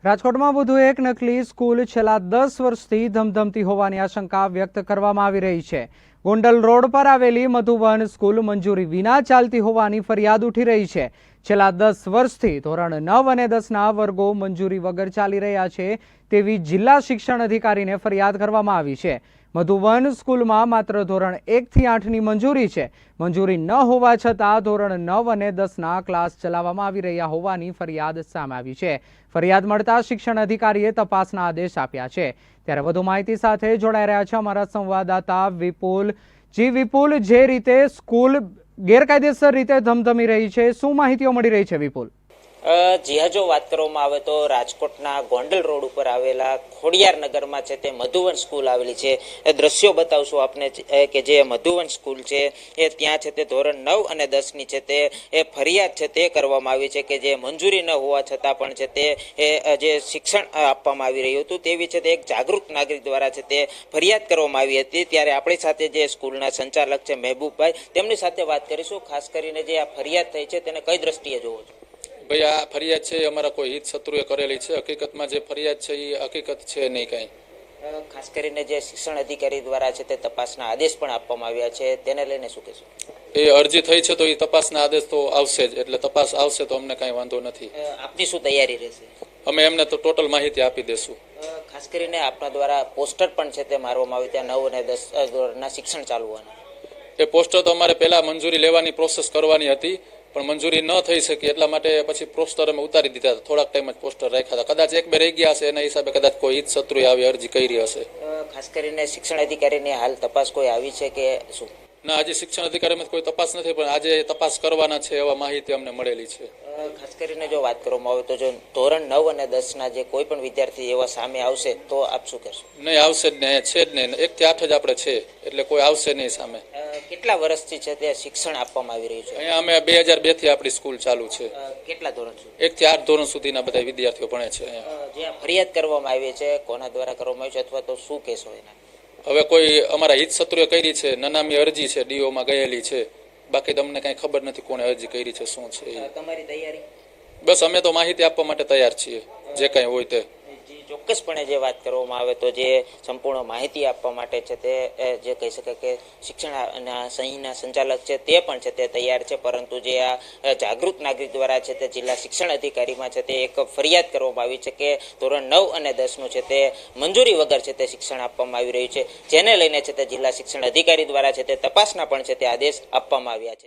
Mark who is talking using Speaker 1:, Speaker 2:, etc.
Speaker 1: રાજકોટમાં વધુ એક નકલી સ્કૂલ છેલ્લા 10 વર્ષથી ધમધમતી હોવાની આશંકા વ્યક્ત કરવામાં આવી રહી છે। ગોંડલ રોડ પર આવેલી મધુવન સ્કૂલ મંજૂરી વિના ચાલતી હોવાની ફરિયાદ ઉઠી રહી છે। છેલ્લા 10 વર્ષથી ધોરણ 9 અને 10ના વર્ગો મંજૂરી વગર ચાલી રહ્યા છે તેવી જિલ્લા શિક્ષણ અધિકારીને ફરિયાદ કરવામાં આવી છે। મધુવન સ્કૂલમાં માત્ર ધોરણ 1 થી 8ની મંજૂરી છે। મંજૂરી ન હોવા છતાં ધોરણ 9 અને 10ના ક્લાસ ચલાવવામાં આવી રહ્યા હોવાની ફરિયાદ સામે આવી છે। ફરિયાદ મળતા શિક્ષણ અધિકારીએ તપાસના આદેશ આપ્યા છે। ત્યારે વધુ માહિતી સાથે જોડાઈ રહ્યા છે અમારા સંવાદદાતા વિપુલ। વિપુલ, જે રીતે સ્કૂલ ગેરકાયદેસર રીતે ધમધમી રહી છે, શું માહિતીઓ મળી રહી છે વિપુલ?
Speaker 2: જી હા, જો વાત કરવામાં આવે તો રાજકોટના ગોંડલ રોડ ઉપર આવેલા ખોડિયાર નગરમાં છે તે મધુવન સ્કૂલ આવેલી છે। એ દ્રશ્યો બતાવશું આપને કે જે મધુવન સ્કૂલ છે એ ત્યાં છે તે ધોરણ 9 અને 10ની છે તે ફરિયાદ છે તે કરવામાં આવી છે કે જે મંજૂરી ન હોવા છતાં પણ છે તે જે શિક્ષણ આપવામાં આવી રહ્યું હતું તેવી છે તે એક જાગૃત નાગરિક દ્વારા છે તે ફરિયાદ કરવામાં આવી હતી। ત્યારે આપણી સાથે જે સ્કૂલના સંચાલક છે મહેબૂબભાઈ, તેમની સાથે વાત કરીશું। ખાસ કરીને જે આ ફરિયાદ થઈ છે તેને કઈ દ્રષ્ટિએ જોવો છો?
Speaker 3: ભાઈ, આ ફરિયાદ છે અમારા કોઈ હિત શત્રુએ કરેલી છે। હકીકતમાં જે ફરિયાદ છે એ હકીકત છે નહીં કાંઈ।
Speaker 2: ખાસ કરીને જે શિક્ષણ અધિકારી દ્વારા છે તે તપાસના આદેશ પણ આપવામાં આવ્યા છે, તેને લઈને શું કહેશો?
Speaker 3: એ અરજી થઈ છે તો એ તપાસના આદેશ તો આવશે જ, એટલે તપાસ આવશે તો અમને કાંઈ વાંધો નથી।
Speaker 2: આપની શું તૈયારી રહેશે?
Speaker 3: અમે એમને તો ટોટલ માહિતી આપી દેશું।
Speaker 2: ખાસ કરીને આપના દ્વારા પોસ્ટર પણ છે તે મારવામાં આવે ત્યાં 9 અને 10 ધોરણના શિક્ષણ ચાલવાનું।
Speaker 3: એ પોસ્ટર તો અમારે પહેલા મંજૂરી લેવાની પ્રોસેસ કરવાની હતી, પણ મંજૂરી ન થઈ શકી એટલા માટે પછી પોસ્ટર અમે ઉતારી દીધા હતા। થોડાક ટાઈમ જ પોસ્ટર રાખ્યા હતા, કદાચ 1-2 રહી ગયા હશે, એના હિસાબે કદાચ કોઈ હિત શત્રુએ આવી અરજી કરી હશે।
Speaker 2: ખાસ કરીને શિક્ષણ અધિકારીની હાલ તપાસ કોઈ આવી છે કે શું?
Speaker 3: ના, હજી શિક્ષણ અધિકારીમાં કોઈ તપાસ નથી, પણ આજે તપાસ કરવાના છે એવા માહિતી અમને મળેલી છે।
Speaker 2: ખાસ કરીને જો વાત કરવામાં આવે તો જો ધોરણ 9 અને 10ના જે કોઈ પણ વિદ્યાર્થી એવા સામે આવશે તો આપ શું કરશો?
Speaker 3: નહીં, આવશે જ નહીં, છે જ નહીં। 1 થી 8 જ આપણે છે, એટલે કોઈ આવશે નહીં સામે।
Speaker 2: કેટલા વર્ષથી છે તે શિક્ષણ આપવામાં આવી રહ્યું છે?
Speaker 3: અહીંયા અમે 2002 થી આપણી સ્કૂલ ચાલુ છે।
Speaker 2: કેટલા ધોરણ સુધી?
Speaker 3: 1 થી 8 ધોરણ સુધીના બધા વિદ્યાર્થીઓ ભણે છે અહીંયા।
Speaker 2: જે ફરિયાદ કરવામાં આવી છે કોના દ્વારા કરવામાં આવી છે અથવા તો શું કહેશો એના?
Speaker 3: હવે કોઈ અમારા હિત શત્રુએ કરી છે, નનામી અરજી છે, ડીઓમાં ગયેલી છે, બાકી તમને કઈ ખબર નથી કોણે અરજી કરી છે, શું છે।
Speaker 2: તમારી તૈયારી?
Speaker 3: બસ અમે તો માહિતી આપવા માટે તૈયાર છીએ, જે કઈ હોય તે।
Speaker 2: ચોક્કસપણે જે વાત કરવામાં આવે તો જે સંપૂર્ણ માહિતી આપવા માટે છે તે જે કહી શકાય કે શિક્ષણના સંહિના સંચાલક છે તે પણ છે તે તૈયાર છે, પરંતુ જે આ જાગૃત નાગરિક દ્વારા છે તે જિલ્લા શિક્ષણ અધિકારીમાં છે તે એક ફરિયાદ કરવામાં આવી છે કે ધોરણ 9 અને 10નું છે તે મંજૂરી વગર છે તે શિક્ષણ આપવામાં આવી રહ્યું છે, જેને લઈને છે તે જિલ્લા શિક્ષણ અધિકારી દ્વારા છે તે તપાસના પણ છે તે આદેશ આપવામાં આવ્યા છે।